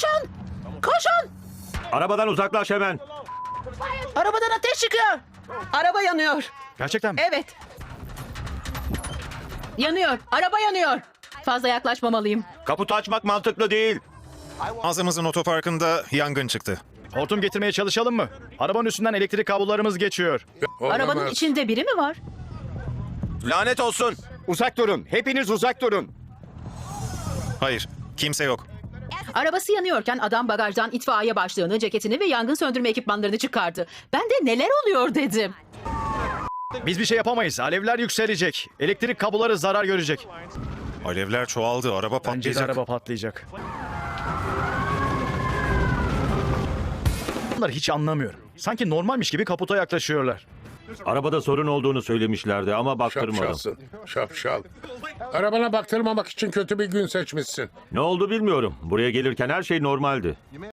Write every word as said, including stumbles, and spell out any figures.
Koşun! Koşun! Arabadan uzaklaş hemen. Arabadan ateş çıkıyor. Araba yanıyor. Gerçekten mi? Evet. Yanıyor. Araba yanıyor. Fazla yaklaşmamalıyım. Kaputu açmak mantıklı değil. Ağzımızın otoparkında yangın çıktı. Hortum getirmeye çalışalım mı? Arabanın üstünden elektrik kablolarımız geçiyor. Arabanın Olamaz. içinde biri mi var? Lanet olsun. Uzak durun. Hepiniz uzak durun. Hayır, kimse yok. Arabası yanıyorken adam bagajdan itfaiye başlığını, ceketini ve yangın söndürme ekipmanlarını çıkardı. Ben de neler oluyor dedim. Biz bir şey yapamayız. Alevler yükselecek. Elektrik kabloları zarar görecek. Alevler çoğaldı, araba Bence de patlayacak. araba patlayacak. Bunlar hiç anlamıyorum. Sanki normalmiş gibi kaputa yaklaşıyorlar. Arabada sorun olduğunu söylemişlerdi ama baktırmadım. Şapşalsın. Şapşal. Arabana baktırmamak için kötü bir gün seçmişsin. Ne oldu bilmiyorum. Buraya gelirken her şey normaldi.